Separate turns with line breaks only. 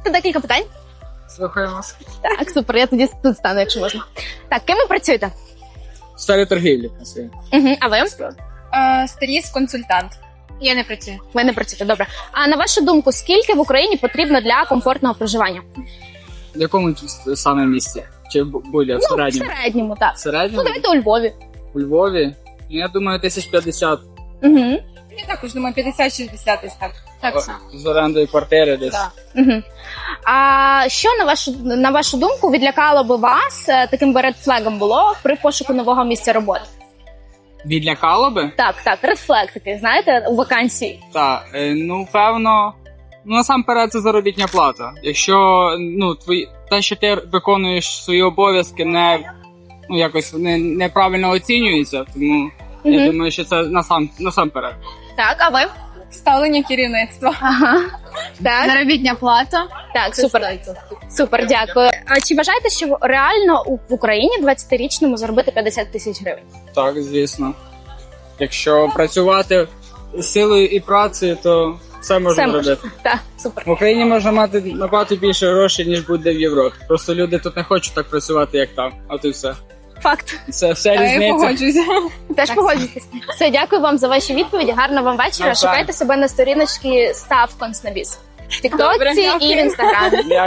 задати декілька питань?
Слухаємо.
Так, супер, я тоді тут стану, якщо можна. Так, ким ви працюєте?
В сфері торгівлі.
А ви?
Стиліст-консультант.
Я не працюю. Ви не працюєте, добре. А на вашу думку, скільки в Україні потрібно для комфортного проживання?
В якому саме місці? Чи будь-яке? В
В
середньому?
середньому, так.
В середньому?
Ну, давайте у Львові.
У Львові? Я думаю, 1050.
Угу.
Я також думаю, 50-60 десь так. Так само.
З орендою квартири десь.
Так.
Угу. А що, на вашу думку, відлякало би вас, таким би редфлегом було при пошуку нового місця роботи?
Відлякало би?
Так, редфлег такий, знаєте, у вакансії.
Так, певно, насамперед це заробітня плата. Якщо, те, що ти виконуєш свої обов'язки, якось неправильно оцінюється, тому я думаю, що це насамперед.
Так, а ви?
Ставлення керівництва.
Ага. Так,
Заробітня плата.
так, супер, дякую. А чи вважаєте, що реально в Україні 20-річному заробити 50 тисяч гривень?
Так, звісно. Якщо працювати силою і працею, то все можна робити.
Так, супер.
В Україні можна мати набагато більше грошей, ніж буде в Європі. Просто люди тут не хочуть так працювати, як там. От і все.
Факт.
Це все
Я
різниця.
погоджуюся.
Теж погоджуєтесь. Все, дякую вам за ваші відповіді. Гарного вам вечора.
Навзаєм.
Шукайте себе на сторіночці Став Конснабіс в
Добре,
Тіктоці і в
дякую.
Інстаграмі.